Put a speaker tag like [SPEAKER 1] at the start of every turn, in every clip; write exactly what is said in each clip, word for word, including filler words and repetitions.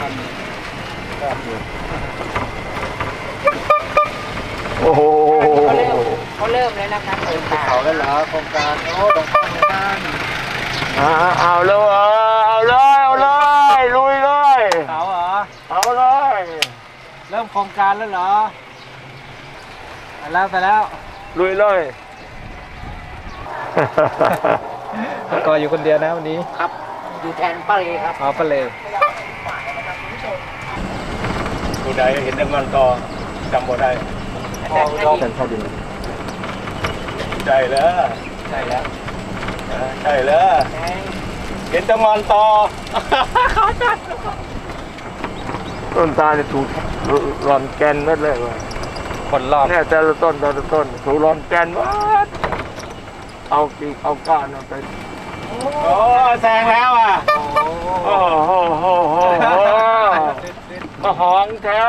[SPEAKER 1] ทันก็อยู่
[SPEAKER 2] โอ้โห
[SPEAKER 3] เขาเริ่มเขาเริ่มแล้วนะคะเปิดตา
[SPEAKER 1] เขาแล้วเหรอโครงการโอ้ตรงข้างกัน
[SPEAKER 2] เอาเลยเอาเลยเอาเลยลุยเลย
[SPEAKER 1] เขาเหรอ
[SPEAKER 2] เอาเลย
[SPEAKER 1] เริ่มโครงการแล้วเหรอไปแล้วไปแล้ว
[SPEAKER 2] ลุยเลย
[SPEAKER 1] ก็อยู่คนเดียวนะวันนี้
[SPEAKER 3] ครับอยู่แทนป้าเลครับ
[SPEAKER 1] อ๋อป้าเล
[SPEAKER 2] ผู้ใดเห็นน้ำมันต่อจำบ่ได้
[SPEAKER 1] พ่อร้องเข้าดิน
[SPEAKER 2] ใช่แล้ว
[SPEAKER 1] ใช่แล้ว
[SPEAKER 2] ใช่แล้วเห็นน้ำมันต่อเขาจัดต้นตาลเนี่ยถูกรอนแกนเม็ดเลยว่ะ
[SPEAKER 1] คนรอบ
[SPEAKER 2] เนี่ยแต่ละต้นแต่ละต้นถูกรอนแกนวัดเอาปีเอาก้านไปโอ้แซงแล้วอ่ะโอ้โหโหโหมาหองแท้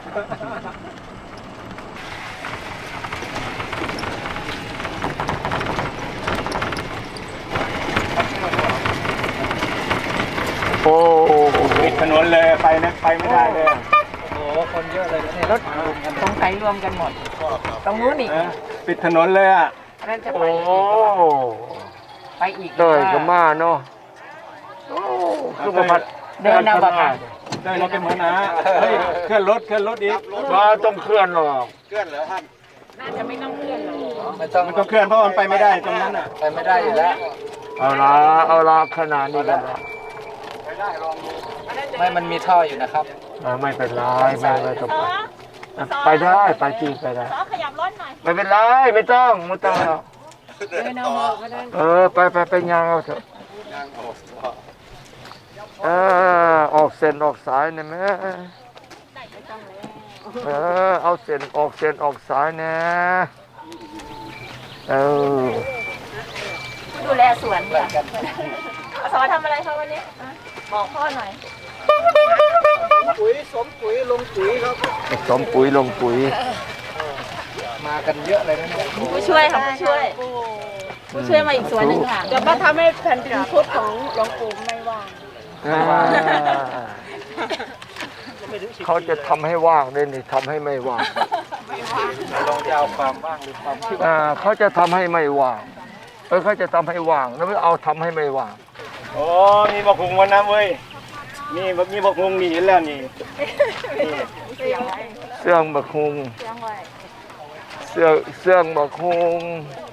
[SPEAKER 2] โอ้ปิดถนนเลยไปนะไปไม่ได้เลย
[SPEAKER 1] โอ้คนเยอะเลยเนี่ย
[SPEAKER 3] รถตรงไสรวมกันหมดตรงนู้นอีก
[SPEAKER 2] ปิดถนนเลยอ่ะ
[SPEAKER 3] นั่นจะไปไปอีก
[SPEAKER 2] เลยก็มาเนาะคือมาพัด
[SPEAKER 3] เดินเอาแบบ
[SPEAKER 2] เดินเราเป็นหัวหน้าเฮ้ยเคลื่อนรถเคลื่อนรถอีกมาต้องเคลื่อนหรอก
[SPEAKER 1] เคลื่อนเหรอท่าน
[SPEAKER 3] น่าจะไม่ต้องเคลื่อนหรอก
[SPEAKER 1] ไม่ต้อง
[SPEAKER 2] มันต้องเคลื่อนเพราะมันไปไม่ได้ตรงนั้นอ่ะ
[SPEAKER 1] ไปไม่ได้อยู่แล้ว
[SPEAKER 2] เอาละเอาละขนาดนี้กันละ
[SPEAKER 1] ไม่มันมีท่ออยู่นะครับ
[SPEAKER 2] ไม่เป็นไรไม่ไม่ต้องไปไปได้ไปจีไปได้
[SPEAKER 4] ขยับรถหน่อย
[SPEAKER 2] ไม่เป็นไรไม่ต้องไม่ต้องหรอก
[SPEAKER 3] เดินเอาก็ได้
[SPEAKER 2] เออไปไปไปยางเอาเถอะเออออกเส้นออกสายเนี่ยแม่เออเอาเส้นออกเส้นออกสายเนี่ยเออ
[SPEAKER 4] ดูแลสวนค่ะสอนทำอะไรคะวันนี้บอกพ่อหน่อย
[SPEAKER 1] ปุ๋ยสมปุ๋ยลงปุ๋ยครับ
[SPEAKER 2] สมปุ๋ยลงปุ๋ย
[SPEAKER 1] มากันเยอะเลยนะเนี่ย
[SPEAKER 4] ผู้ช่วยค่ะผู้ช่วยผู้ช่วยมาอีกสวนหนึ่งค่ะจะมาทำให้แผ่นดินพุทธของหลวงปู่ไม่ว่าง
[SPEAKER 2] เขาจะทำให้ว่างเลยนี่ทำให้ไม่ว่าง
[SPEAKER 1] ลองจะเอาความว่างหรือความที่
[SPEAKER 2] ว่าเขาจะทำให้ไม่ว่างเออเขาจะทำให้ว่างแล้วไม่เอาทำให้ไม่ว่างโอ้มีบักฮุงวันน้ำเว้ยนี่มีบักฮุงนี่เห็นแล้วนี่เสื่องบักฮุงเสื่องเสื่องบักฮุง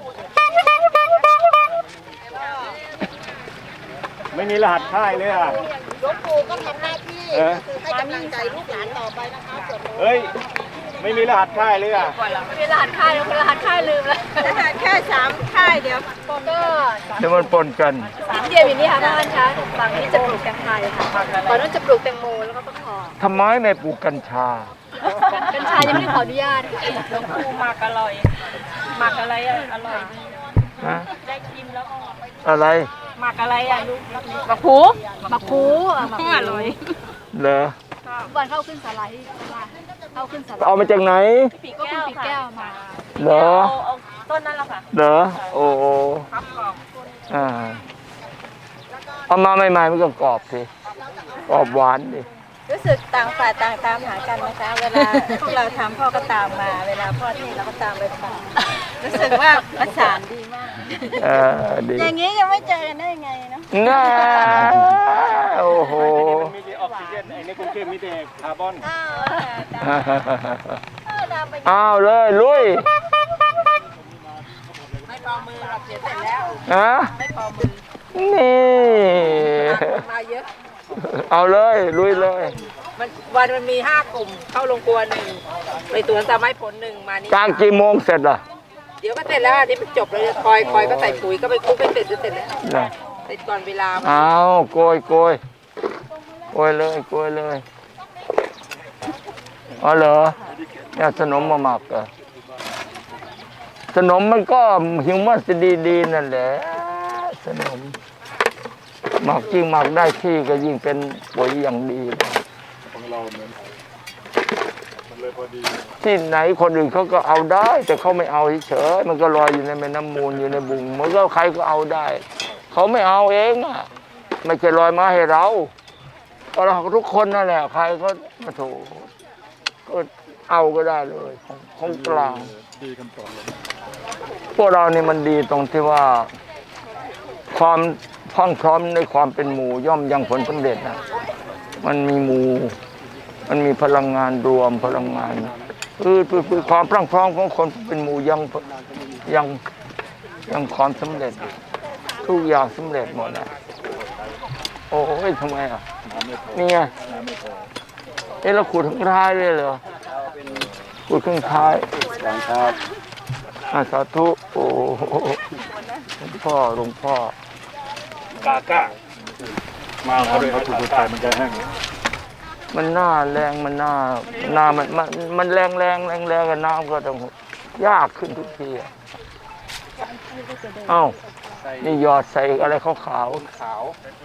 [SPEAKER 2] ไม่มีรหัสค่ายเลยอ่ะ
[SPEAKER 4] หลวงปู่ก็ทำหน้าที่ให้กำลังใจลูกหลานต่อไปนะคะ
[SPEAKER 2] เฮ้ยไม่มีรหัสค่ายเลยอ่ะ
[SPEAKER 4] ไม่มีรหัสค่ายแล้วรหัสค่ายลืมแล้วรหัสแค่สามค่ายเดียวก็
[SPEAKER 2] เดี๋ยวมันปนกัน
[SPEAKER 4] สามเดียวอย่างนี้ค่ะท่านคะฝั่งนี้จะปลูกแตงไทยค่ะฝั่งนู้นจะปลูกแตงโมแล้วก็ฟักทอง
[SPEAKER 2] ทำไมไม่ปลูกกัญชา
[SPEAKER 4] กัญชายังไม่ได้ขออนุญาตค่ะหลวงปู่หมักอร่อยหมักอะไรอร่อย
[SPEAKER 2] ฮะ
[SPEAKER 4] ได้ชิมแล้ว
[SPEAKER 2] อะไร
[SPEAKER 4] หมักอะไรอ่ะลูกหมักผูหมักผูหมักผูอร่อย
[SPEAKER 2] เหรอ
[SPEAKER 4] วันเข้าขึ้นสไลด์เข้าขึ้นสไลด์
[SPEAKER 2] เอามาจากไหน
[SPEAKER 4] ปีแก้วปีแก้วมา
[SPEAKER 2] เหรอ
[SPEAKER 4] เอาต้นนั่นแหละค่ะ
[SPEAKER 2] เหรอโอ้ครับกรอบอ่าเอามาใหม่ๆมันก็กรอบสิกรอบหวานดิ
[SPEAKER 4] รู้สึกต่างฝ่ายต่างตามหากันนะคะเวลาพวกเราทำพ่อก็ตามมาเวลาพ่อที่เราก็ตามไปฟังรู้สึกว่าประสานดีมาก
[SPEAKER 2] เออดี
[SPEAKER 4] อย่างนี้ยังไม่เจอกันได้ยังไงเนาะ
[SPEAKER 2] น่าโอ้โห
[SPEAKER 1] มีแต่ออกซิเจนไอ้นี่กรุงเทพมีแต่คาร์บอน
[SPEAKER 2] อ้าวเลยลุย
[SPEAKER 4] ไม่พอมือเราเสียเสร็จแล้ว
[SPEAKER 2] ฮะ
[SPEAKER 4] ไม่พอมือ
[SPEAKER 2] นี่
[SPEAKER 4] มาเยอะ
[SPEAKER 2] เอาเลยลุยเลย
[SPEAKER 3] มันวันมันมีห้ากลุ่มเข้าโรงครัวหนึ่งไปสวนสามไม้ผลหนึ่งมานี่
[SPEAKER 2] กลางกี่โมงเสร็จล่ะ
[SPEAKER 3] เดี๋ยวก็เสร็จแล้วนี่มันจบเลยคอยคอยก็ใส่ปุ๋ยก็ไปคุกไปเสร็จเสร็จแล้วเสร็จก่อนเวลา
[SPEAKER 2] เอาโกยโกยโกยเลยโกยเลยอ๋อเหรอเนี่ยขนมมาหมักอ่ะขนมมันก็หิวมันจะดีๆนั่นแหละขนมหมักจริงหมักได้ที่ก็ยิ่งเป็นปุ๋ยอย่างดีของเราเนี่ยมันเลยพอดีที่ไหนคนอื่นเขาก็เอาได้แต่เขาไม่เอาเฉยมันก็ลอยอยู่ในแม่น้ำมูลอยู่ในบุงมันก็ใครก็เอาได้เขาไม่เอาเองอ่ะไม่ใช่ลอยมาให้เราเอก็เราทุกคนนั่นแหละใครก็มาถูกก็เอาก็ได้เลยของของกลางดีกันต่อเลยพวกเรานี่มันดีตรงที่ว่าความพร้อมพร้อมในความเป็นหมู่ย่อมยังผลสำเร็จนะมันมีหมู่มันมีพลังงานรวมพลังงานคือคือความพรั่งพร้อมของคนเป็นหมู่ยังยังยังความสำเร็จทุกอย่างสำเร็จหมดนะโอ้ยทำไมอ่ะนี่ไงเอ๊ะเราขูดข้างท้ายเลยเหรอขูดข้างท้ายครับอาสาธุโอ้หลวงพ่อหลวงพ่อกาก้ามาเอาด้วยเอาถูกตายมันจะแห้งมันหน้าแรงมันหน้าหน้ามันมันมันแรงแรงแรงแรงกับน้ำก็ต้องยากขึ้นทุกทีอ่ะเอ้านี่หยอดใส่อะไรขาวขาวขาว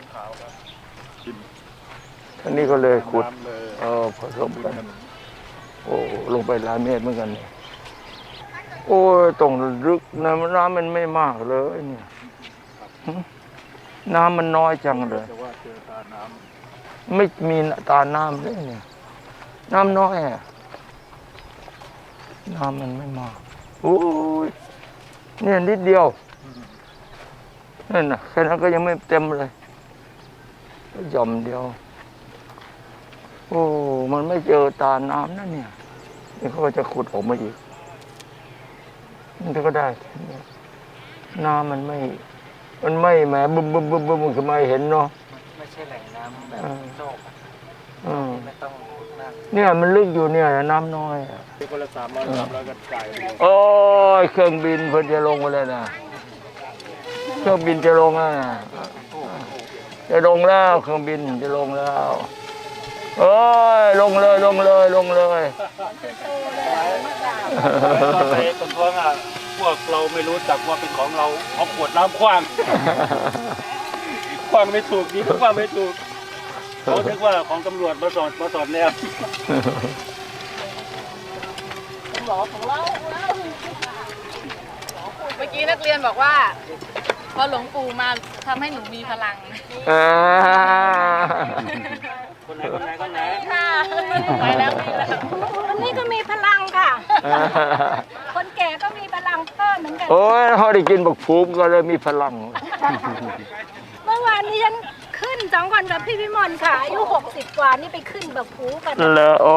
[SPEAKER 2] ท่านี้ก็เลยขุดเออผสมกันโอ้ลงไปหลายเมตรเหมือนกันโอ้ยตรงลึกน้ำน้ำมันไม่มากเลยเนี่ยน้ำมันน้อยจังเลยไม่มีตาน้ำเลยเนี่ยน้ำน้อยอ่ะน้ำมันไม่มากโอ้ยเนี่ยนิดเดียวนั่นน่ะแค่นั้นก็ยังไม่เต็มเลยหย่อมเดียวโอ้มันไม่เจอตาน้ำนั่นเนี่ยนี่เขาก็จะขุดออกมาอีกมันก็ได้น้ำมันไม่มันไม่แหมบึ้มบึ้มบึ้มบึ้มมันคือไม่เห็นเนาะ
[SPEAKER 1] ไม่ใช่แหล่งน้ำแบบโลกไม่ต้อง
[SPEAKER 2] เนี่ยมันลึกอยู่เนี่ยน้ำน้อย
[SPEAKER 1] คนละสามร้อยสามร้อยกันไก่
[SPEAKER 2] โอ้ยเครื่องบินเพิ่นจะลงมาเลยนะเครื่องบินจะลงแล้วนะจะลงแล้วเครื่องบินจะลงแล้วเอ้ยลงเลยลงเลยลงเลย
[SPEAKER 1] ไปคนท้องอ่ะพวกเราไม่รู้จักว่าเป็นของเราเอาขวดน้ำคว้างคว้างไม่ถูกดีคว้างไม่ถูกเขาคิดว่าของตำรวจมาสอนมาสอนแนว
[SPEAKER 3] หมอของเราเมื่อกี้นักเรียนบอกว่าพอหลวงปู่มาทำให้หนูมีพลัง
[SPEAKER 1] คนไหนคนไหนคนไหน
[SPEAKER 3] ค่ะไปแล้วไปแล้ว
[SPEAKER 4] คนนี้ก็มีพลังค่ะคนแก่ก็มีพลังเพิ่มเหมือนกัน
[SPEAKER 2] โอ้ยเขาได้กินบักฟูมก็เลยมีพลัง
[SPEAKER 4] เมื่อวานนี้ฉันขึ้นสองคนกับพี่พิมลค่ะอายุหกสิบกว่านี่ไปขึ้นบักฟูกัน
[SPEAKER 2] เลยโอ้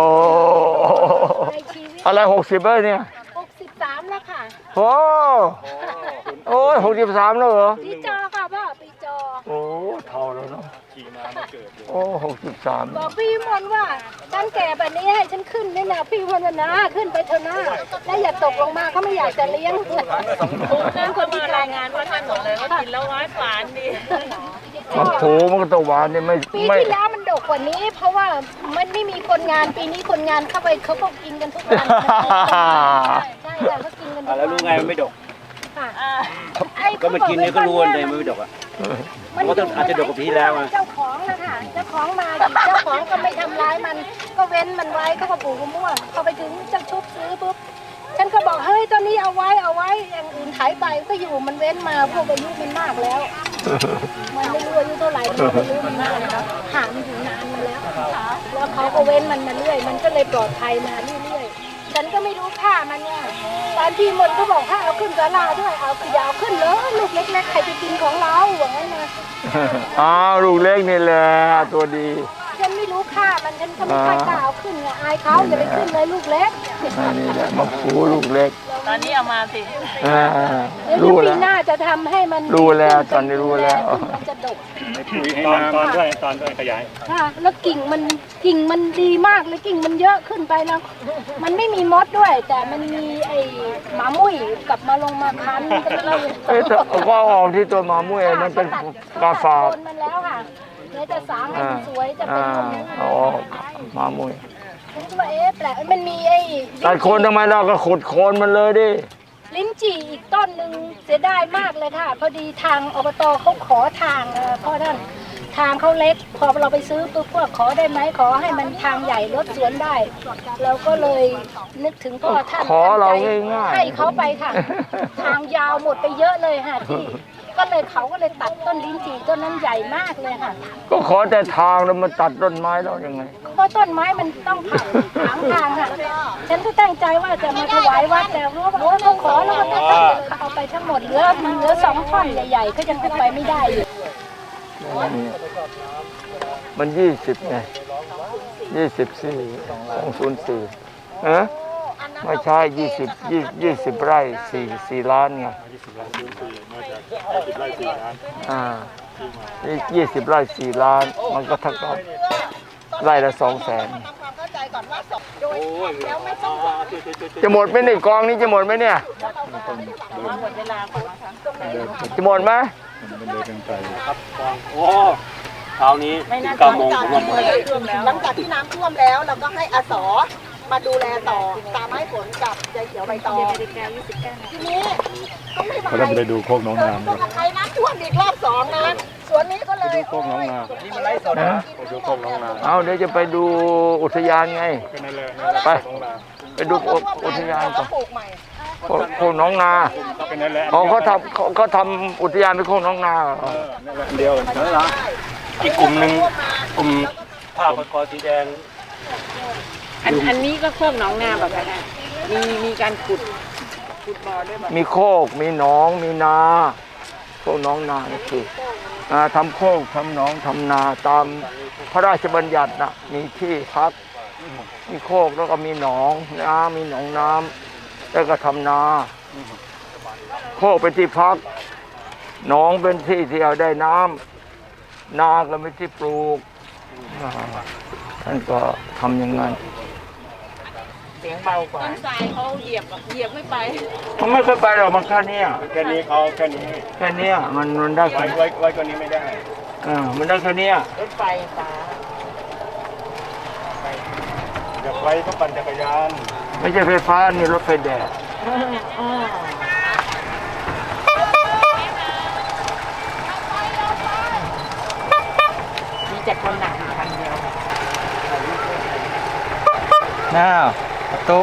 [SPEAKER 2] อะไรหกสิบเลยเนี่ย
[SPEAKER 4] หกสิบสามแล้วค่ะ
[SPEAKER 2] โอ้โอ้ยหกสิบสามแล้วเหรอ
[SPEAKER 4] ปีจอค่ะพ่อปีจอ
[SPEAKER 2] โอ้เท่าแล้วเนาะขี่มาไม่เกิดโอ้หกสิบสาม
[SPEAKER 4] บอกพี่มนว่าฉันแก่แบบนี้ให้ฉันขึ้นนี่นะพี่มนนะขึ้นไปเถอะนะแล้วอย่าตกลงมาเขาไม่อยากจะเลี้ยง
[SPEAKER 3] ท่านคนมารายงานว่าท่านบอกเลยว่ากินแล้วหวานหวานดี
[SPEAKER 2] มันโผมันก็ต้องหวานนี่ไม่
[SPEAKER 4] ปีที่แล้วมันดกกว่านี้เพราะว่ามันไม่มีคนงานปีนี้คนงานเข้าไปเขาก็กินกันทุกวันใช่ค่ะเขากินกันทุกวัน
[SPEAKER 1] แล้วรู้ไงมันไม่ดกก็มันกินเนี่ยก็รู้เลยมันไม่ดกอ่ะมันอาจจะดกกว่าปีแล้วอ่ะ
[SPEAKER 4] เจ้าของนะคะเจ้าของมาเจ้าของก็ไม่ทำร้ายมันก็เว้นมันไว้เขาก็ปลูกมะม่วงพอไปถึงเจ้าชุบซื้อปุ๊บฉันก็บอกเฮ้ยตอนนี้เอาไว้เอาไว้อย่างอื่นขายไปก็อยู่มันเว้นมาพวกอายุมันมากแล้วมันไม่รู้อายุเท่าไหร่มันไม่รู้มันมากแล้วหามันอยู่นานมาแล้วแล้วเขาก็เว้นมันมาเรื่อยมันก็เลยปลอดภัยมาเรื่อยๆฉันก็ไม่รู้ค่ามันเนี่ยตอนที่มนก็บอกถ้าเอาขึ้นศาลาด้วยเอาอย่าเอาขึ้นเลยลูกเล็กๆใครจะกินของเราอย่างนั้นนะ
[SPEAKER 2] อ้าวลูกเล็กนี่แหละตัวดี
[SPEAKER 4] ฉันไม่รู้ค่ามันฉันก็ไม่ค่อยกล้าเอาขึ้นไงอายเขาอย่าไปขึ้นเลยลูกเล็ก
[SPEAKER 2] นี่แหละมาปูลูกเล็ก
[SPEAKER 3] ตอนนี้เอามาสิ
[SPEAKER 2] รู้แล้ว
[SPEAKER 4] ปีหน้าจะทำให้มัน
[SPEAKER 2] รู้แล้วตอนนี้รู้แล้ว
[SPEAKER 4] มันจะดก
[SPEAKER 1] ตอนตอนด้วยตอนด้วยขยาย
[SPEAKER 4] ค่ะแล้วกิ่งมันกิ่งมันดีมากเลยกิ่งมันเยอะขึ้นไปแล้วมันไม่มีมดด้วยแต่มันมีไอ้หมามุ้ยกับมาลงมาคัน
[SPEAKER 2] เอ้ยก็ออกที่ตัวหมามุ้ยมันเป็นกาฝาก
[SPEAKER 4] มันแล้วค่ะเนี่ยจะสางให้มันสวยจะเป็น
[SPEAKER 2] อ๋อหมามุ้ย
[SPEAKER 4] ว่าเอ๊ะแปลกมันมีไอ้
[SPEAKER 2] ตัดโคนทำไมเราก็ขุดโคนมันเลยดิ
[SPEAKER 4] ลิ้นจี่อีกต้นหนึ่งเสียดายมากเลยค่ะพอดีทางอบตเขาขอทางเพราะนั่นทางเขาเล็กพอเราไปซื้อปุ๊บพวกขอได้ไหมขอให้มันทางใหญ่รถสวนได้เราก็เลยนึกถึงพ่อท่าน
[SPEAKER 2] ขอเราง่ายๆ
[SPEAKER 4] ให้เขาไปค่ะทางยาวหมดไปเยอะเลยค่ะที่ก็เลยเขาก็เลยตัดต้นลิ้นจี่ต้นนั้นใหญ่มากเลยค่ะ
[SPEAKER 2] ก็ขอแต่ทางแล้วมาตัดต้นไม้แล้วยังไง
[SPEAKER 4] เพราะต้นไม้มันต้องผ่านถางทางค่ะฉันก็ตั้งใจว่าจะมาถวายวัดแต่ว่าเขาขอแล้วก็ต้องเอาไปทั้งหมดเหลือเหลือสองท่อนใหญ่ๆก็ยังเอาไปไม่ได้อยู่
[SPEAKER 2] มันยี่สิบไงยี่สิบสี่สองศูนย์สี่เออไม่ใช่ยี่สิบยี่ยี่สิบไร่สี่สี่ล้านไงอ่ายี่สิบไร่สี่ล้านมันก็เท่ากับไร่ละสองแสนจะหมดไหมในกองนี้จะหมดไหมเนี่ยจะหมดไหม
[SPEAKER 1] ครับกองโอ้เช้านี้ถึงเก้าโมงผมว่าหมด
[SPEAKER 5] หลังจากที่น้ำท่วมแล้วเราก็ให้อาสอมาดูแลต่อตามให้ผลกับยายเขียวใบตองทีนี้ต้องไม่
[SPEAKER 6] เขาต้องไปดูโคกน้องน้ำ
[SPEAKER 5] ต้องใครน้ำท่วมอีกรอบสองนะสวนนี้ก็เลย
[SPEAKER 6] โคกน้องน้
[SPEAKER 5] นี่มันไร้สด
[SPEAKER 2] นะ
[SPEAKER 6] ำดูโคกน้องน้ำ
[SPEAKER 2] เอาเดี๋ยวจะไปดูอุทยานไง
[SPEAKER 6] ก็นั่นแหละ
[SPEAKER 2] ไป
[SPEAKER 6] น้องน้
[SPEAKER 2] ไปดูอุทยานก่อน
[SPEAKER 5] ปลูกใหม่
[SPEAKER 2] โคโคกน้องนา
[SPEAKER 6] ำก็นั่นแหละ
[SPEAKER 2] อ๋อเขาทำเขาเขาทำอุทยานเป็นโคกน้องนาเหรอ
[SPEAKER 6] นั่นแหละอันเดียว
[SPEAKER 1] นั่นเหรออีกกลุ่มหนึ่งกลุ่มผ้าพันคอสีแดง
[SPEAKER 3] อันอันนี้ก็โคกหนองนาแบบนั้นอะมีมีการขุดขุดบ่อด้วยแบบ
[SPEAKER 2] มีโคกมีหนองมีนาโคกน้องนานี่คืออ่าทำโคกทำหนองทำนาตามพระราชบัญญัตินะมีที่พักมีโคกแล้วก็มีหนองน้ำมีหนองน้ำแล้วก็ทำนา โคกเป็นที่พักหนองเป็นที่ที่เอาได้น้ำนาก็เป็นที่ปลูกอ่าท่านก็ทำอย่างนั้น
[SPEAKER 3] เสียงเบากว่าต้นสายเขาเหยียบอะเหยียบไม่ไป
[SPEAKER 2] มันไม่เคยไปหรอกมันแค่เนี้ย
[SPEAKER 6] แค่นี้เขาแค่นี้
[SPEAKER 2] แค่เนี้ยมันมันได้
[SPEAKER 6] ไว้
[SPEAKER 2] แค่
[SPEAKER 6] ไว้ไว้ตัวนี้ไม่ได้
[SPEAKER 2] อ่ามันได้แค่เนี้ย
[SPEAKER 3] รถไฟฟ้า
[SPEAKER 6] อยากไว้ก็ปั่นจักรยาน
[SPEAKER 2] ไม่ใช่ไฟฟ้านี่รถไฟแดด
[SPEAKER 3] มีแต่คนหนักอยู่คันเดียว
[SPEAKER 7] น้าประตู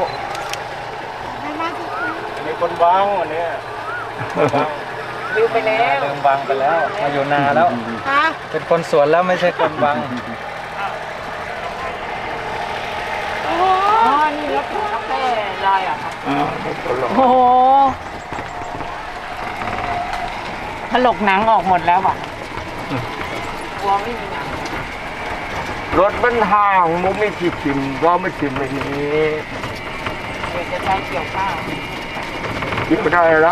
[SPEAKER 6] มีคนวางวันนี้
[SPEAKER 3] ลืมไปแล้ว
[SPEAKER 7] เริ่มบังไปแล้ว มาอยู่นาแล้ว เป็นคนสวนแล้วไม่ใช่คนบัง
[SPEAKER 3] อ๋อ นี่รถกาแฟลอยเหรอ่ะครับ
[SPEAKER 2] อ่าตลอด
[SPEAKER 3] โอ้โหถลกหนังออกหมดแล้วอ่ะกลัวไม่มีหนัง
[SPEAKER 2] รถมันห่างมันไม่ที่ชิมว่าไม่ชิมแบบนี้
[SPEAKER 3] เดี๋ยวจะใช้เกี่ยวข้าว
[SPEAKER 2] ชิมไม่ได้แล้ว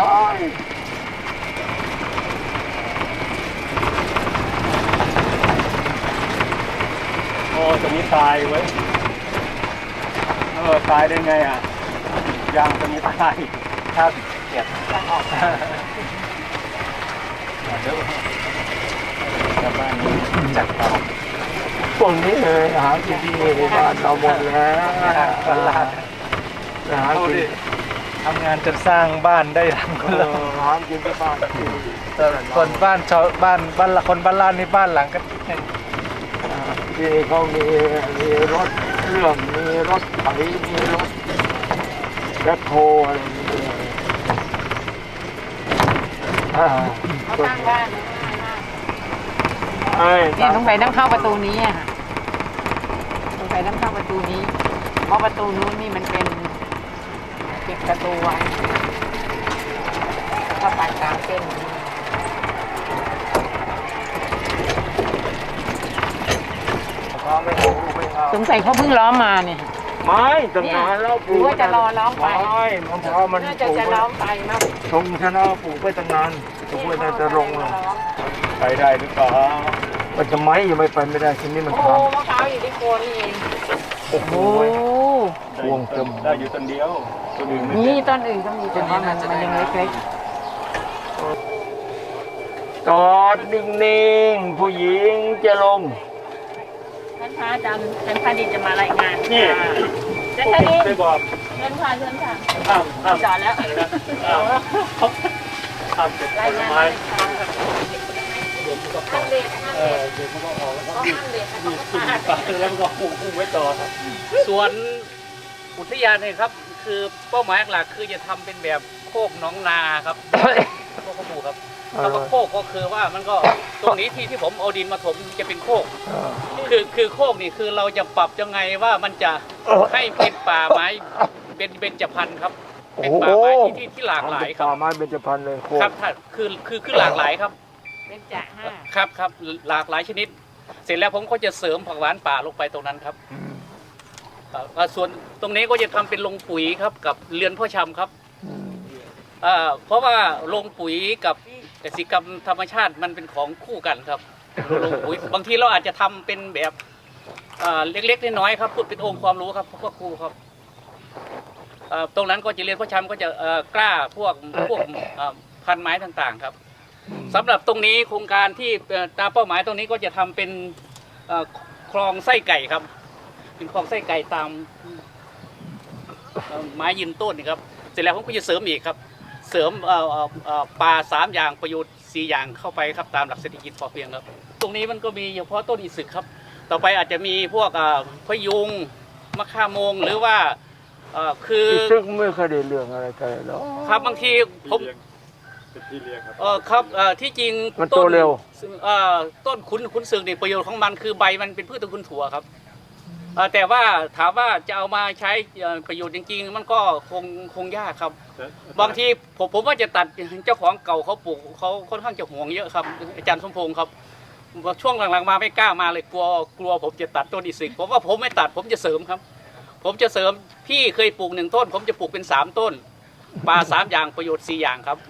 [SPEAKER 6] โอ้ตัวนี้ตายไว้ยเออตายได้ไงอ่ะยางตัวนี้ตายถ้าเกียด
[SPEAKER 3] จะออก
[SPEAKER 6] เดี๋ยวชาวบ้านนี้จัดเตา
[SPEAKER 2] พวกนี้เลยหากินที่นี่ในบ้านเราหมดแล้ว
[SPEAKER 7] ตลาด
[SPEAKER 2] หา
[SPEAKER 7] ดู
[SPEAKER 2] กิน
[SPEAKER 7] ดิทำงานจนสร้างบ้านได้ทั้งค
[SPEAKER 2] เอน
[SPEAKER 7] ละ
[SPEAKER 2] อหากินที่บ้านที่
[SPEAKER 7] ส่วนบ้านชาวบ้านบ้านละคนบ้านล่านนี่บ้านหลังก็
[SPEAKER 2] ที่เขามีมีรถเครื่องมีรถไถมีรถแบ็คโฮอะไรอย่างเงี้ยอ่า
[SPEAKER 3] เขาตั้งบ้าน
[SPEAKER 2] ไอ้
[SPEAKER 3] เนี่ยต้องไปต้องเข้าประตูนี้อ่ะต้องไปต้องเข้าประตูนี้ เพราะประตูนู้นนี่มันเป็นปิดประตูไว้ถ้าไปตามเส้นนี้
[SPEAKER 2] เอาไม่เอาไม่เอา
[SPEAKER 3] สงสัยเขาเพิ่งล้อมมาเนี่ย
[SPEAKER 2] ไม่ตั้งนานแล้วปลูก
[SPEAKER 3] หรือว่าจะรอล้อมไป
[SPEAKER 2] ไม่มะพร้าวมัน
[SPEAKER 3] น่า
[SPEAKER 2] ป
[SPEAKER 3] จะ
[SPEAKER 2] ลูก
[SPEAKER 3] จะล้อมไปมาก
[SPEAKER 2] ชงชนะปลูกไปตั้งนานจะพูดน่าจะลงเลย
[SPEAKER 6] ไปได้หรือเปล่า
[SPEAKER 2] มันจะไม่ยังไม่ไปไม่ได้ทีนี้มัน
[SPEAKER 3] โอ้
[SPEAKER 2] ท
[SPEAKER 3] มะพร้าวอยู่ที่โคนนี่เอง
[SPEAKER 2] ำโอ้โห
[SPEAKER 3] โอ้
[SPEAKER 2] พวงเต็ม
[SPEAKER 6] ได้อยู่ต้นเดียวตัวอื่นไม่
[SPEAKER 3] นี่ต้นอื่นก็มีแต่ว่ามันมันยังเล็ก
[SPEAKER 2] จอดนิ่งๆผู้หญิงจะลง
[SPEAKER 3] ๆท่านพระอาจารย์ท่านพระดินจะมารายงาน
[SPEAKER 1] นี่
[SPEAKER 3] ท่าน
[SPEAKER 1] ผม
[SPEAKER 3] พระดิน
[SPEAKER 1] ไปบอก
[SPEAKER 3] เชิญค่ะเชิญค่ะ
[SPEAKER 1] ห้ามห้าม
[SPEAKER 3] จอดแล้ว
[SPEAKER 1] ห้ามห้ามเก็บผ
[SPEAKER 3] ราย
[SPEAKER 1] ล
[SPEAKER 3] งาน
[SPEAKER 1] ไม้
[SPEAKER 3] ท่านเด็กท่าน
[SPEAKER 1] เอ
[SPEAKER 3] เด็
[SPEAKER 1] อก เดี๋ยวมันก็ออกแล้วก็
[SPEAKER 3] ท่านเด็ก
[SPEAKER 1] มีขึ้นปากแล้วมันก็พุ่งพุ่งไว้ต่อครับ
[SPEAKER 8] สวนอุทยานเนี่ยครับ คือเป้าหมายหลักคือจะทำเป็นแบบโคกหน้องนาครับโคกขมูครับคำว่าโคกก็คือว่ามันก็ตรงนี้ที่ที่ผมเอาดินมาถมจะเป็นโคก
[SPEAKER 2] เออ
[SPEAKER 8] คือคือโคกนี่คือเราจะปรับยังไงว่ามันจะให้เป็นป่าไม้เป็นเบญจพรรณครับ เป็นป่าไม้ที่ที่ที่หลากหลายครั
[SPEAKER 2] ป่า
[SPEAKER 8] บ
[SPEAKER 2] ไม้เบญจพรรณเลยโค
[SPEAKER 8] ครับถ้าคือคือคือหลากหลายครับ
[SPEAKER 3] เป็นจ่าห้า
[SPEAKER 8] ครับครับหลากหลายชนิด เสร็จแล้วผมก็จะเสริมผักหวานป่าลงไปตรงนั้นครับ
[SPEAKER 2] อืม
[SPEAKER 8] เอ่อส่วนตรงนี้ก็จะทำเป็นโรงปุ๋ยครับกับเรือนพ่อชำครับ
[SPEAKER 2] อืม
[SPEAKER 8] เอ่อเพราะว่าโรงปุ๋ยกับกสิกรรมธรรมชาติมันเป็นของคู่กันครับโรงปุ๋ยบางทีเราอาจจะทำเป็นแบบเอ่อเล็กๆน้อยๆครับพูดเป็นองค์ความรู้ครับพวกครูครับเอ่อตรงนั้นก็จะเรียนพ่อชำก็จะเอ่อกล้าพวกพวกเอ่อพันไม้ต่างๆครับสำหรับตรงนี้โครงการที่เอ่อตามเป้าหมายตรงนี้ก็จะทำเป็นเอ่อคลองไส้ไก่ครับ เป็นคลองไส้ไก่ตามเอ่อไม้ยืนต้นนี่ครับเสร็จแล้วผมก็จะเสริมอีกครับ เสริมเอ่อเอ่อเอ่อปลาสามอย่างประโยชน์สี่อย่างเข้าไปครับตามหลักเศรษฐกิจพอเพียงครับ ตรงนี้มันก็มีเฉพาะต้นอิสึกครับ ต่อไปอาจจะมีพวกเอ่อพะยุงมะข่าโมงหรือว่าเอ่อคือ
[SPEAKER 2] ซึ่งไม่เคยได้เรื่องอะไรกันเลยหรอก
[SPEAKER 8] ครับบางทีผม
[SPEAKER 6] เป็นที่เรียกครับ
[SPEAKER 8] เออครับเอ่อที่จริง
[SPEAKER 2] มันโตเร็ว
[SPEAKER 8] เอ่อต้นขุนขุนสึกนี่ประโยชน์ของมันคือใบมันเป็นพืชตระกูลถั่วครับเอ่อแต่ว่าถามว่าจะเอามาใช้เอ่อประโยชน์จริงๆมันก็คงคงยากครับ บางทีผมผมว่าจะตัดเจ้าของเก่าเขาปลูกเขาค่อนข้างจะห่วงเยอะครับอาจารย์สมพงศ์ครับช่วงหลังๆมาไม่กล้ามาเลยกลัวกลัวผมจะตัดต้นอิสิกผมว่าผมไม่ตัดผมจะเสริมครับ ผมจะเสริมพี่เคยปลูกหนึ่งต้น ผมจะปลูกเป็นสามต้นปลาสามอย่างประโยชน์สี่อย่างครับ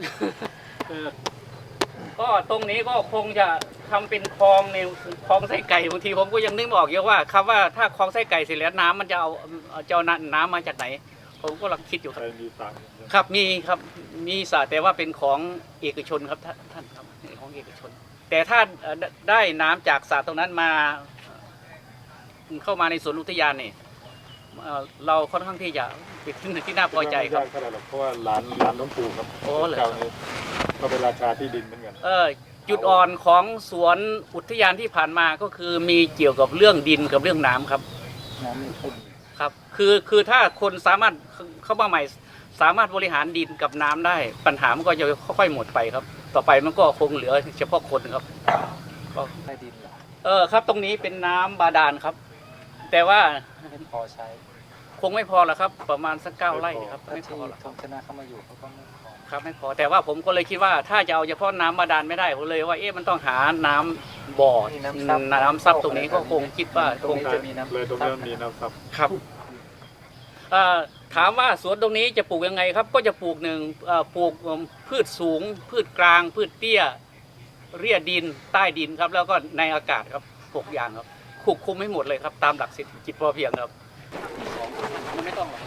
[SPEAKER 8] ก็ตรงนี้ก็คงจะทำเป็นคลองในคลองไส้ไก่บางทีผมก็ยังนึกไม่ออกเยอะว่าคำว่าถ้าคลองไส้ไก่เสร็จแล้วน้ำมันจะเอาจะเอาน้ำมาจากไหน ผมก็กำลังคิดอยู่ครับ
[SPEAKER 6] มีตังค์
[SPEAKER 8] ครับมีครับมีสระแต่ว่าเป็นของเอกชนครับท่านท่านครับของเอกชน แต่ถ้าเอ่อได้ได้น้ำจากสระตรงนั้นมาเอ่อเข้ามาในสวนอุทยานนี่เอ่อเราค่อนข้างที่จะเป็นที่ที่น่าพอใจครับ
[SPEAKER 6] ไม่ยากเท่าไหร่หรอกเพราะว่าร้านร้านน้องปู่ครับ
[SPEAKER 8] โอ้เหรอ
[SPEAKER 6] เจ้านี้ก็เป็นราชาที่ดินเหมือนกัน
[SPEAKER 8] เออจุดอ่อนของสวนอุทยานที่ผ่านมาก็คือมีเกี่ยวกับเรื่องดินกับเรื่องน้ำครับ
[SPEAKER 6] น้ำมีคุณ
[SPEAKER 8] ครับคือคือถ้าคนสามารถเข้ามาใหม่สามารถบริหารดินกับน้ำได้ ปัญหามันก็จะค่อยๆหมดไปครับ ต่อไปมันก็คงเหลือเฉพาะคนครับก็
[SPEAKER 7] ใต้ดินเหรอ
[SPEAKER 8] เออครับตรงนี้เป็นน้ำบาดาลครับ แต่ว่า
[SPEAKER 7] ไม่พอใช้
[SPEAKER 8] คงไม่พอละครับ ประมาณสักเก้าไร่ครับ
[SPEAKER 7] ถ้า
[SPEAKER 8] ไม่พ
[SPEAKER 7] ที่
[SPEAKER 8] อหรอก
[SPEAKER 7] ทงชนะเข้ามาอยู่เขาก็ไม่พอ
[SPEAKER 8] ครับไม่พอแต่ว่าผมก็เลยคิดว่าถ้าจะเอาเฉพาะน้ำบาดาลไม่ได้ผมเลยว่าเอ๊ะมันต้องหาน้ำบ่อน้ำซับตรงนี้ก็คงคิดว่า
[SPEAKER 7] ตร
[SPEAKER 8] ค
[SPEAKER 7] ง
[SPEAKER 8] ง
[SPEAKER 7] นี้
[SPEAKER 8] จะ
[SPEAKER 7] จะมีน้ำ
[SPEAKER 6] เลยตรงนี้มันมีน้ำซับ
[SPEAKER 8] ครับเอ่อถามว่าสวนตรงนี้จะปลูกยังไงครับ ก็จะปลูกหนึ่งเอ่อปลูกพืชสูง พืชกลาง พืชเตี้ย เรียดินใต้ดินครับ แล้วก็ในอากาศครับหกอย่างครับควบคุมให้หมดเลยครับ ตามหลักเศรษฐกิจพอเพียงครับมันไม่ต้องหรอก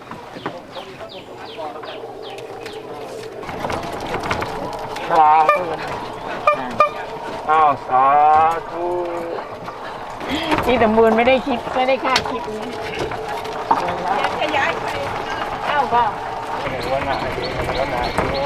[SPEAKER 2] สาธุอ้าวสาธุ
[SPEAKER 3] ที่สมบูรณ์ไม่ได้คิดไม่ได้คาดคิดนะขยายไปเอ้าก็
[SPEAKER 6] ว่าหนาดีแล้วหนา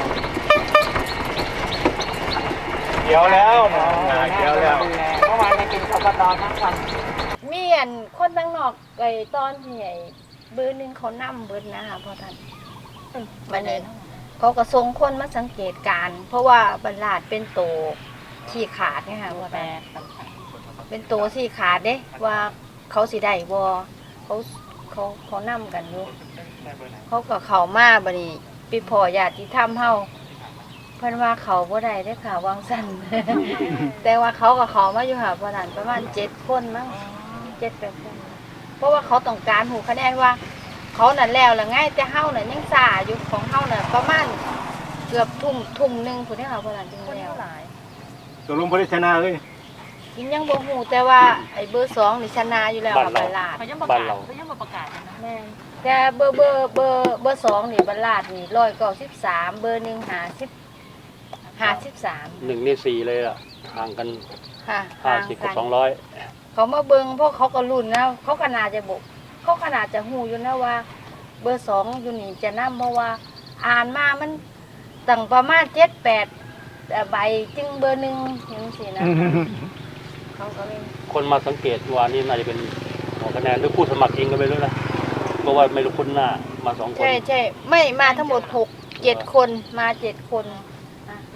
[SPEAKER 6] เดี๋ยวแล้วหนาเดี๋ยวแล้ว
[SPEAKER 3] เมื่อวานไปกินข้าวปลาทั้งวัน
[SPEAKER 4] มีอันคนตั้งนอกไอ้ตอนที่ไอ้เบอร์หนึ่งเขานั่เบิร์นะคะพ่อท่านบันนี้เขาก็ส่งคนมาสังเกตการณ์เพราะว่าบรรลาดเป็นโตที่ขาดเนี่ยค่ะพ่อท่านเป็นโตที่ขาดเด้ว่าเขาสิได้บ่เขาเขาเขานั่กันอยู่เขาก็เข้ามาบัดนี้ปีพ่อญาติธรรมเฮาเพิ่นว่าเขาบ่ได้เด้อค่ะวางสั้น แต่ว่าเขาก็เขามาอยู่ค่ะพ่อท่านประมาณเจ็ดคนมั้ง เจ็ดแปดคนเพราะว่าเขาต้องการหูคะแนนว่า เขานั่นแล้วละง่ายแต่เฮาน่ะยังซ่าอยู่ของเฮาน่ะประมาณเกือบทุ่มทุ่มหนึ่งผู้ที่เขาพลันจึงแล้ว
[SPEAKER 6] ตกลงพลิชนะเลย
[SPEAKER 4] กินยังบ่หูแต่ว่าไอ้เบอร์สองนี่ชนะอยู่แล้วค่ะบรรลาด
[SPEAKER 3] เขายังประกาศเขายังประกาศนะ
[SPEAKER 4] แม่นแต่เบอร์เบอร์เบอร์เบอร์สองนี่บรรลาดนี่ร้อยเก้าสิบสามเบอร์หนึ่งหาสิบหาสิบสาม
[SPEAKER 8] หนึ่งในสี่เลยอ่ะห่างกัน
[SPEAKER 4] ค่ะ
[SPEAKER 8] ห้าสิบกับสองร้อย
[SPEAKER 4] เขามาเบิ่งเพราะเขาก็รุ่นนะเขาขนาดจะบอกเขาขนาดจะหูอยู่นะว่า เบอร์สองอยู่นี่จะนำเพราะว่าอ่านมามันตั้งประมาณเจ็ดแปดใบจึงเบอร์หนึ่งอย่างนี้นะเขาก็เลย
[SPEAKER 8] คนมาสังเกตว่านี่น่าจะเป็นหัวคะแนนหรือผู้สมัครเองก็ไม่รู้นะเพราะว่าไม่รู้คนหน้ามาสองคน
[SPEAKER 4] ใช่ใช่ไม่มาทั้งหมดหกเจ็ดคนมาเจ็ดคนอ่ะมา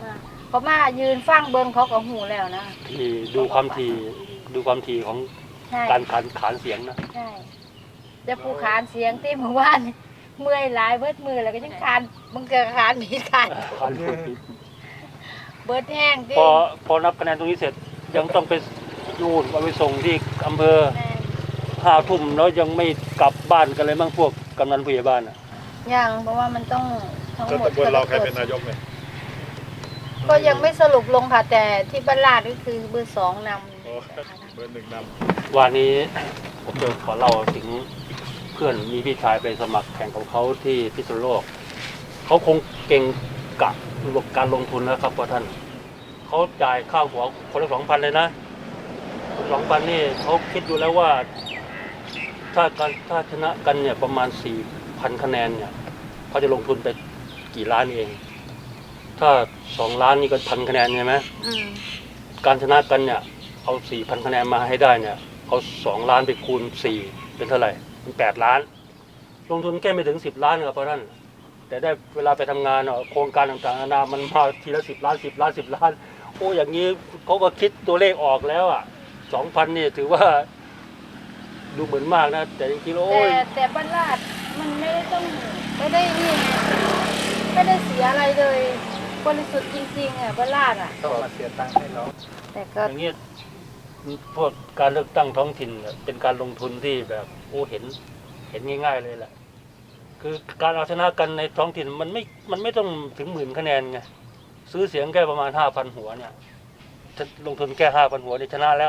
[SPEAKER 4] เขามายืนฟังเบิ้งเขาก็หูแล้วนะ
[SPEAKER 1] ที่ดูความถี่ดูความถี่ของ
[SPEAKER 4] ใช่
[SPEAKER 1] การขานขานเสียงนะ
[SPEAKER 4] ใช่แต่ผู้ขานเสียงที่เมื่อวานเมื่อยหลายเบิดมือแล้วก็ยังขานมึงเกิดขานผิดขาน
[SPEAKER 1] ขานผิด
[SPEAKER 4] เบิดแห้งที่
[SPEAKER 1] พอพอนับคะแนนตรงนี้เสร็จยังต้องไปยูนเอาไปส่งที่อำเภอ
[SPEAKER 4] แม่
[SPEAKER 1] ห้าทุ่มแล้วยังไม่กลับบ้านกันเลยมั้งพวกกำนันผู้ใหญ่บ้านอ่ะ
[SPEAKER 4] ยังเพราะว่ามันต้องทั้ง
[SPEAKER 6] แล้ว
[SPEAKER 4] หมด
[SPEAKER 6] ตำบลเราใครเป็นนายกเนี่ย
[SPEAKER 4] ก็ยังไม่สรุปลงค่ะแต่ที่บ้านลาดก็คือเบอร์สองน
[SPEAKER 6] โอ้เบอร์หนึ่งน
[SPEAKER 1] วันนี้ผมจะขอเล่าถึงเพื่อนมีพี่ชายไปสมัครแข่งของเขาที่พิษณุโลกเขาคงเก่งกับระบบการลงทุนนะครับพ่อท่านเขาจ่ายค่าหัวคนละสองพันเลยนะสองพันนี่เขาคิดดูแล้วว่า ถ้าการถ้าชนะกันเนี่ยประมาณสี่พันคะแนนเนี่ยเขาจะลงทุนไปกี่ล้านเอง ถ้าสองล้านนี่ก็พันคะแนนใช่ไหม
[SPEAKER 4] ำอืม
[SPEAKER 1] การชนะกันเนี่ยเอาสี่พันคะแนนมาให้ได้เนี่ยเอาสองล้านไปคูณสี่เป็นเท่าไหร่เป็นแปดล้าน ลงทุนแค่ไม่ถึงสิบล้านครับพ่อท่านแต่ได้เวลาไปทำงานเนาะโครงการต่างๆนานามันมาทีละสิบล้านสิบล้านสิบล้านโอ้อย่างนี้เขาก็คิดตัวเลขออกแล้วอ่ะสองพันนี่ถือว่าดูเหมือนมากนะแต่จริงๆแล้ว
[SPEAKER 4] แต่
[SPEAKER 1] โอ้ย
[SPEAKER 4] แต่บ้านลาดมันไม่ได้ต้องไม่ได้นี่ไงไม่ได้เสียอะไรเลยบริสุทธิ์จริงๆอ่ะบ้านลาดอ่ะ
[SPEAKER 7] ำต้องมาเสียตังค์ให้เรา
[SPEAKER 4] แต่ก็
[SPEAKER 1] อย่างนี้พวกการเลือกตั้งท้องถิ่นเนี่ยเป็นการลงทุนที่แบบโอ้เห็นเห็นง่าย ๆเลยแหละคือการเอาชนะกันในท้องถิ่นมันไม่มันไม่ต้องถึงหมื่นคะแนนไงซื้อเสียงแค่ประมาณห้าพันหัวเนี่ยถ้าลงทุนแค่ห้าพันหัวเนี่ยชนะแล้ว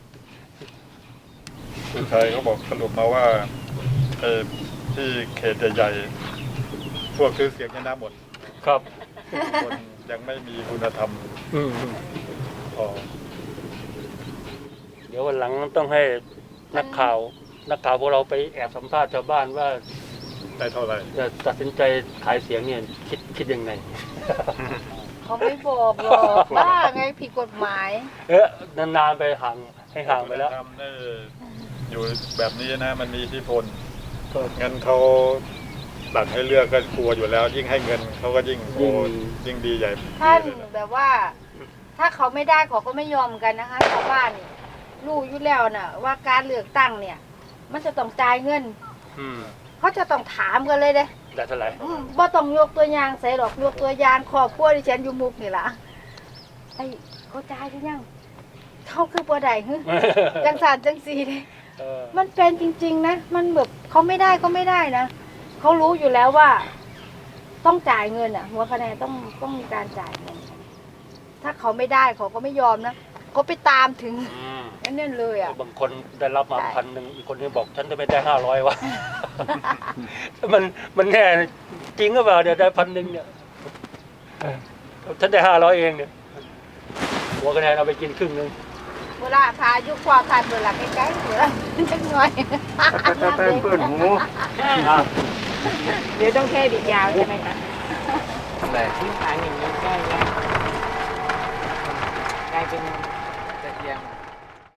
[SPEAKER 6] ำผู้ชายเขาบอกสรุปมาว่าเออที่เขตใหญ่ๆพวกซื้อเสียงชนะหมด
[SPEAKER 1] ครับ
[SPEAKER 6] คนยังไม่มีคุณธรรม
[SPEAKER 1] อืม
[SPEAKER 6] พอ
[SPEAKER 1] เดี๋ยววันหลังต้องให้นักข่าวนักข่าวพวกเราไปแอบสัมภาษณ์ชาวบ้านว่า
[SPEAKER 6] ได้เท่าไหร่
[SPEAKER 1] จะตัดสินใจขายเสียงเนี่ยคิดคิดยังไง
[SPEAKER 4] เขาไม่บอกหรอกบ้าไงผิดกฎหมาย
[SPEAKER 1] เอ๊ะนานๆไปห่างให้ห่างไปแล้ว
[SPEAKER 6] คุณธรรมนี่อยู่แบบนี้นะมันมีอิทธิพลงั้นเขาตัดให้เลือกก็กลัวอยู่แล้ว ยิ่งให้เงินเขาก็ยิ่งโอ้ยิ่งดีใหญ่
[SPEAKER 4] ท่านแบบว่า ถ้าเขาไม่ได้เขาก็ไม่ยอมกันนะคะชาวบ้านนี่รู้อยู่แล้วน่ะ ว่าการเลือกตั้งเนี่ย มันจะต้องจ่ายเงิน
[SPEAKER 1] อืม
[SPEAKER 4] เขาจะต้องถามกันเลยเด้
[SPEAKER 1] ได้เท่าไหร่
[SPEAKER 4] อืมบ่ต้องยกตัวอย่างใส่หรอกยกตัวอย่างครอบครัวที่ฉันอยู่มุกนี่ล่ะไอ้เขาจ่ายหรือยังเขาคือบ่ได้ฮึจังสารจังสีเด้
[SPEAKER 1] เออ
[SPEAKER 4] มันเป็นจริงๆนะ มันแบบเขาไม่ได้ก็ไม่ได้นะ เขารู้อยู่แล้วว่า ต้องจ่ายเงินอ่ะ หัวคะแนนต้องต้องมีการจ่ายเงิน ถ้าเขาไม่ได้เขาก็ไม่ยอมนะเขาไปตามถึง
[SPEAKER 1] อืม
[SPEAKER 4] นั่นเลยอ่ะ
[SPEAKER 1] บางคนได้รับมา
[SPEAKER 4] ใช่
[SPEAKER 1] พันหนึ่งอีกคนนึงบอกฉันจะไม่ได้ห้าร้อยวะ มันมันแน่จริงหรือเปล่าเดี๋ยวได้พันหนึ่งเนี่ยเออฉันได้ห้าร้อยเองเนี่ยหัวคะแนนเอาไปกินครึ่งหนึง
[SPEAKER 4] เวลาพายุความผ่านเวลาใกล้ๆเวลาจังหน่อย
[SPEAKER 2] จะเป็นเพื่อนหู
[SPEAKER 1] อ่ะ
[SPEAKER 3] เดี๋ยวต้องแค่ดิดยาวใช่ไหมคะ
[SPEAKER 7] อะไร
[SPEAKER 3] ทิ้งฝานอย่างนี้ใกล้แล้วกลายเป็น
[SPEAKER 7] ตะเกียง